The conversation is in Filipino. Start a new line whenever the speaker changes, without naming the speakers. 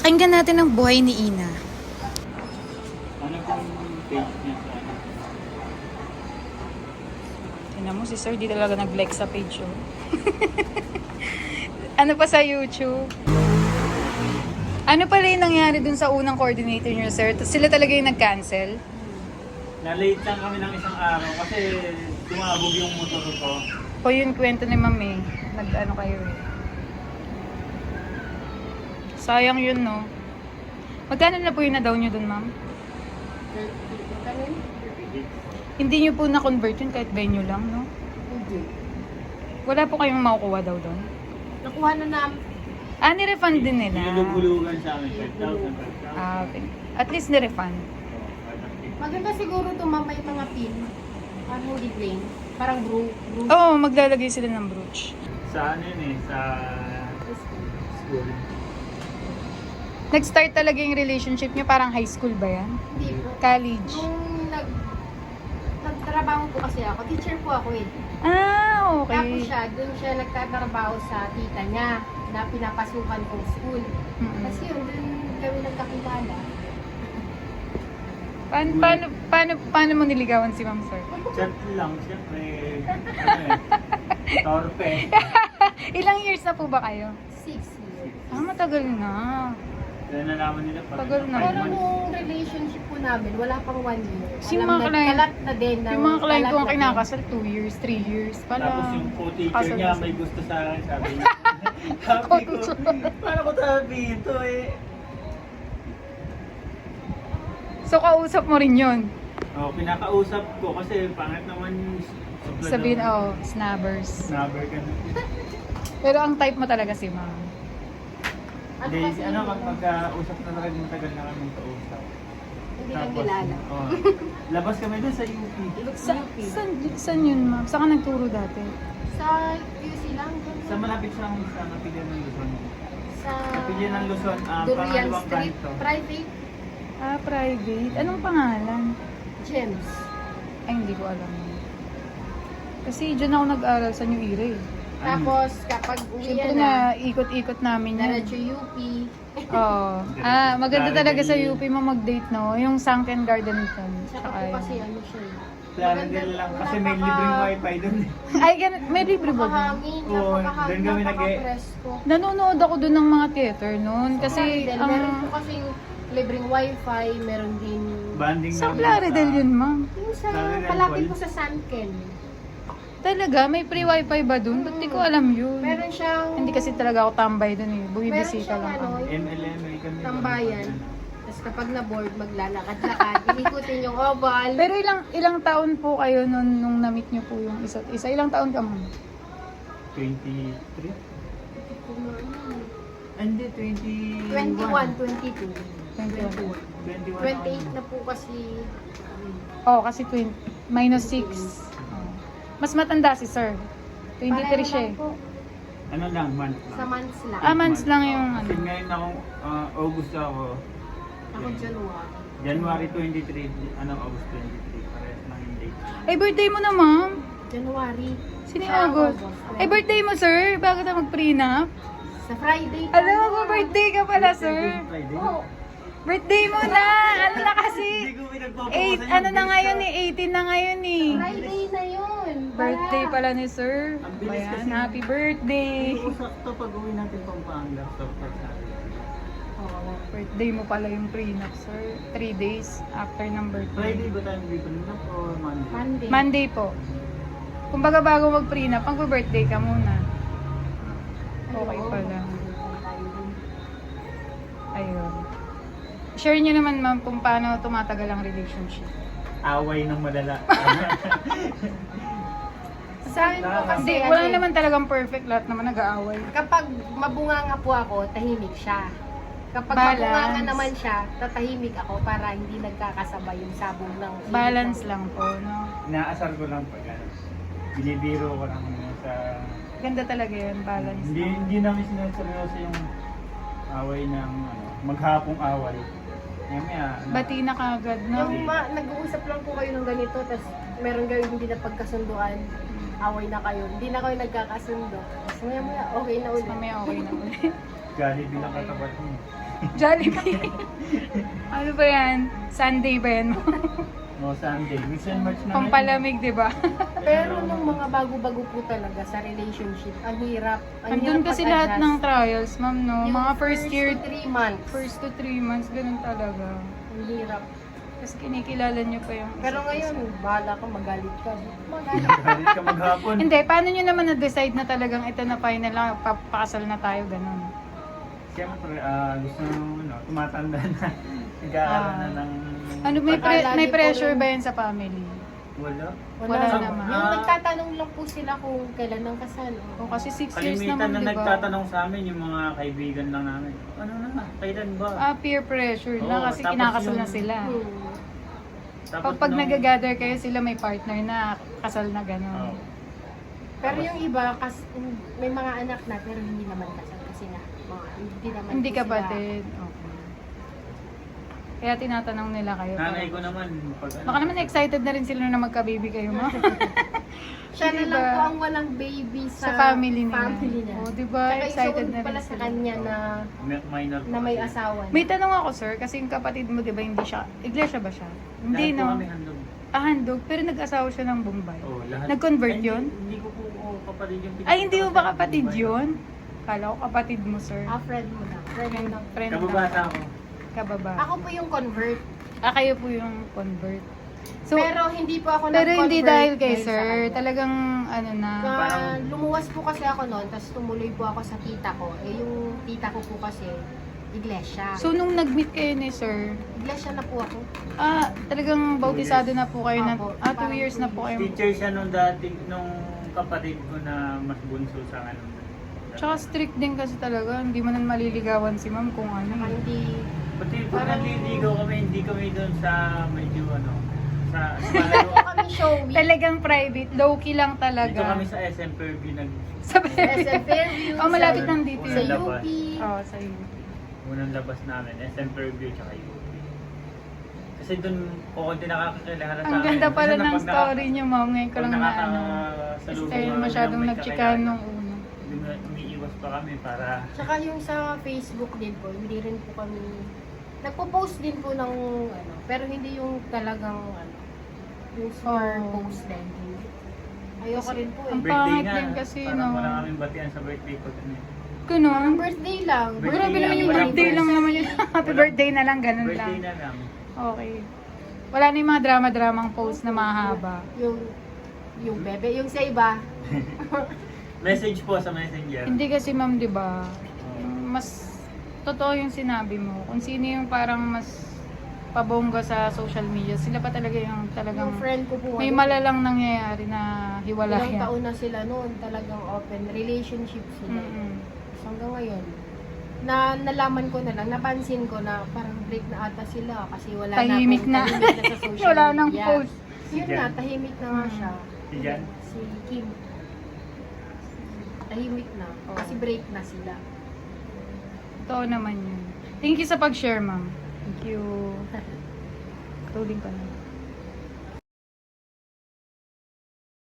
Pakinggan natin ang buhay ni Ina.
Ano pong page niya sa ano?
Tingnan mo si Sir, di talaga nag-like sa page oh. Ano pa sa YouTube? Ano pala yung nangyari dun sa unang coordinator niyo, Sir? Sila talaga yung nag-cancel?
Na-late lang kami ng isang araw kasi tumabog yung motor ko.
O yun kwento ni Ma'am eh. Nag-ano kayo eh. Sayang yun, no? Magkano na po yung na-down nyo dun, Ma'am? Hindi nyo po na-convert yun kahit venue lang, no?
Hindi.
Wala po kayong makukuha daw doon?
Nakuha na namin.
Ni-refund din nila.
Nilugulugan sa amin, 5,000.
Okay. At least ni-refund.
Maganda siguro tumamay mga pin. Parang hindi plain. Parang brew.
Oo, maglalagay sila ng brooch.
Sa ano yun eh, sa school.
Nag-start talaga yung relationship nyo, parang high school ba yan?
Hindi po.
College?
Nung nagtrabaho po kasi ako, teacher po ako eh.
Ah,
Tapos
okay.
doon siya nagtatrabaho sa tita niya na pinapasukan kong school.
Mm-mm.
Kasi yun, doon kami nagkakilala.
Paano mo niligawan si Ma'am Sir?
Chat lang, siyempre. Ano eh, torpe.
Ilang years na po ba kayo?
6 years.
Ah, matagal na.
Kaya nalaman nila pag
Tagal na.
5
Pero
months.
nung relationship po namin, wala pang 1 year.
Si mga client-
kalat na din.
Yung mga client ko ang
kalat na din.
kinakasal, 2 years, 3 years. Pala.
Tapos yung co-teacher
kasal
niya
kasi.
may gusto sa akin, sabi niya. Sabi ko, paano ko sabi ito eh?
So, kausap mo rin yun.
Oh, pinakausap ko kasi pangit naman yung
Sabihin, oh, snabbers.
Snubber ka na.
Pero ang type mo talaga si Ma'am.
Ano kasi yun?
Magkausap na lang matagal na kami kausap.
Hindi lang kilala.
oh, labas kami dun sa UP.
Saan yun, Ma'am? Saan ka nagturo dati?
Sa QC lang. dun
Sa malapit sa Kapilya ng Luzon.
Sa
Kapilya ng Luzon,
Durian
pangalawang
Street.
kanto.
Private
Ah, private. Anong pangalan?
Gems.
Ay, hindi ko alam. Kasi dyan ako nag-aral sa New Era eh.
Tapos kapag uwi
Siyempre
na,
na ikot-ikot namin yun.
diretso UP.
Oo. Ah, maganda talaga sa UP mo mag-date, no? Yung Sunken Garden dun.
Saka po
Tsaka
kasi
yun.
ano siya.
Plaridel lang kasi may libreng wifi dun.
Ay, may libre ba dun?
Napakahangin,
Oo, doon kami
napaka-presko.
Nanonood ako dun ng mga theater noon. Kasi,
Plaridel, meron po kasing libreng wifi, meron din
Banding
sa
namin
Plaridel yun, Ma'am.
yung sa
Plaridel
palapit
Mall.
po sa Sunken.
Talaga? May free wifi ba dun? Ba't di ko alam yun?
Meron siyang
Hindi kasi talaga ako tambay dun eh.
meron
Bumibisita
siyang
lang
ano,
ako.
MLM, may kami.
tambayan. Tapos kapag na-board, maglalakad-lakad, ikutin yung oval.
Pero ilang taon po kayo nung na-meet niyo po yung isa't isa? Ilang taon ka, Ma'am?
23? Hindi, 21.
21, 22.
21.
21.
28 na po kasi.
Oh, kasi minus 6. Mas matanda si Sir. 23 siya eh.
Pareho lang po.
Ano lang, month lang.
Sa months lang.
Ah, months lang yung ano.
Kasi ngayon ako, August ako.
Ako January.
January 23, August 23. Parehas lang yung date.
Ay, birthday mo na, Ma'am.
January.
Sino yung
Sa
August? Ay, birthday mo, Sir. Bakit na mag-prenup?
Sa Friday.
Alam mo, mag-birthday ka pala, Sir.
Friday?
Oo.
Birthday mo na! Ano na kasi?
Hindi ko pinagpapawasan
8, ano na ngayon eh? 18 na ngayon eh.
Friday na yun.
Birthday pala ni Sir.
Ang bilis
Ayan,
kasi.
happy birthday.
Sakto pag uwi natin Pampanga. Sakto sa
Oh, birthday mo pala yung prenup, Sir. 3 days after ng birthday.
Friday ba tayo nag-prenup o Monday?
Monday.
Monday po. Kumbaga bago mag-prenup, mag-birthday ka muna. Okay
Oo.
pala. Ayun. Share nyo naman, Ma'am, kung paano tumatagal ang relationship.
Away ng malala.
Sa akin po kasi,
Hindi,
ano
wala
eh,
naman talagang perfect. Lahat naman nag-aaway.
kapag mabunganga po ako, tahimik siya. Kapag
Balance.
mabunganga naman siya, tatahimik ako para hindi nagkakasabay yung sabong ng
Balance lang po, no?
Inaasar ko lang pag ano. Binibiro ko lang sa...
Ganda talaga yun, balance.
Hindi namin sinaseryoso yung away ng maghapong away. Maya,
Bati na kagad, no?
Yung nag-uusap lang po kayo ng ganito, tapos meron kayo hindi na pagkasunduan, away na kayo. Hindi na kayo nagkakasundo. Tapos maya okay na ulit.
Mamaya okay na ulit.
Jollibee lang katapat mo.
Jollibee. Ano ba yan? Sunday ba yan?
O Sunday. Mix and match na ngayon.
Pampalamig, di ba?
Pero nung mga bago-bago po talaga sa relationship, ang hirap. Ang
Andun
hirap
kasi lahat ng
mag-adjust.
trials, ma'am, no?
Yung
Mga first year,
to 3 months.
first to 3 months, ganun talaga.
Ang hirap.
Kasi kinikilala niyo pa yung
Pero
isa't
ngayon,
isa.
bahala ka, magalit ka. Magalit.
Galit ka maghapon.
Hindi, paano nyo naman na-decide na talagang ito na final lang, papakasal na tayo, ganun?
Siyempre, gusto nung tumatanda na. Nag-aaral na ng...
Ano,
Lagi
may
po
pressure
rin-
ba yan sa family?
Wala.
Wala naman.
Yung nagtatanong lang po sila kung kailan ang kasal.
O kasi 6 years
Kalimitan
naman,
na
di ba?
nagtatanong sa amin yung mga kaibigan lang namin. Ano na, kailan ba?
Peer pressure na
Oo,
kasi
tapos
kinakasal na
yung-
sila.
Tapos
Pag
nung-
nag-gather kayo, sila may partner na kasal na gano'n.
Oo.
Pero yung iba, may mga anak na pero hindi naman kasal kasi nga, hindi naman
Hindi
po sila-
kapatid. Okay. Kaya tinatanong nila kayo.
Nanay ko naman. Pag,
Baka naman excited na rin sila na magka-baby kayo, ma.
Siya na
Diba?
lang po ang walang baby
Sa
sa,
family nila.
niya.
O, diba?
Tsaka
Excited
isuod
na
pala
rin
sa
sila.
kanya na,
minor
na may
kasi.
asawa. na.
May tanong ako, sir, kasi yung kapatid mo, di ba, hindi siya, iglesia ba siya? Hindi,
Lahat po
no?
kami handog.
Handog, pero nag-asawa siya ng Bombay.
Oo, lahat.
Nag-convert
Ay,
yun?
Hindi ko po kapatid yung
Ay, hindi mo ba kapatid yun? Kala ko kapatid mo, sir.
Friend mo na. Friend mo na.
Friend
Kababata
lang.
ako.
Kababa.
Ako po yung convert.
Kayo po yung convert. So,
pero hindi po ako
pero hindi
nag-convert
dahil kay
sa
sir,
kanya.
talagang ano na.
Parang-
Lumuwas po kasi ako noon, tapos tumuloy po ako sa tita ko. Yung tita ko po kasi, iglesia.
So, nung nag-meet kayo ni sir,
Iglesia na po ako.
talagang bautisado na po kayo na,
Opo,
2
parang
years na po kayo.
Teacher siya nung dati, nung kapatid ko na mas bunso sa ano.
Tsaka strict din kasi talaga, hindi mo na maliligawan si ma'am kung ano.
Saka hindi,
Pati pag
Parang-
naliligaw kami, hindi kami doon sa medyo sa malayo.
kami showy.
Talagang private, low-key lang
Dito
talaga.
kami sa SM Fairview
Sa
SM Fairview.
Oh, malapit
sa-
lang dito
Sa
yun.
Labas.
UP.
Oo, sa iyo.
unang labas namin, SM Fairview tsaka UP. Kasi doon ko konti nakakakilala sa
Ang ganda
amin.
pala
Kasi
ng
pag
story niyo, ma'am. Ngayon ko lang na ano. Kasi kayo masyadong nagchikahan nung una.
Umiiwas pa kami para
Tsaka yung sa Facebook din po, hindi rin po kami, nagpo-post din po ng ano, pero hindi yung talagang ano, yung smart
Oh.
post din. Ayoko rin po eh.
Ang
birthday
pangit
nga.
din kasi,
parang
no?
wala kaming batian sa birthday ko.
Ganun.
Birthday lang.
Birthday
Grabe naman yung
Walang
birthday lang
post.
naman yun. Happy birthday na lang, ganun lang.
Birthday na lang.
Okay. Wala na yung mga drama-dramang post na mahaba.
Yung bebe, yung sa iba.
Message po sa messenger.
Hindi kasi ma'am, di ba? Yung mas totoo yung sinabi mo. Kung sino yung parang mas pabongga sa social media, sila pa talaga yung talagang
Yung friend ko po.
may
ano,
malalang nangyayari na
ilang
hiwalayan.
taon na sila noon, talagang open relationship sila.
Mm-mm.
So, hanggang ngayon, na nalaman ko na lang, napansin ko na parang break na ata sila kasi wala
Tahimik
na,
na.
tahimik na sa social
Wala nang
media.
post.
Yun
Si
na,
Jan.
tahimik na nga siya.
Si Jan?
Si Kim. Tahimik na.
Oo.
Kasi break na sila.
Totoo naman yun. Thank you sa pag-share, ma'am. Thank you. Tuling ko na.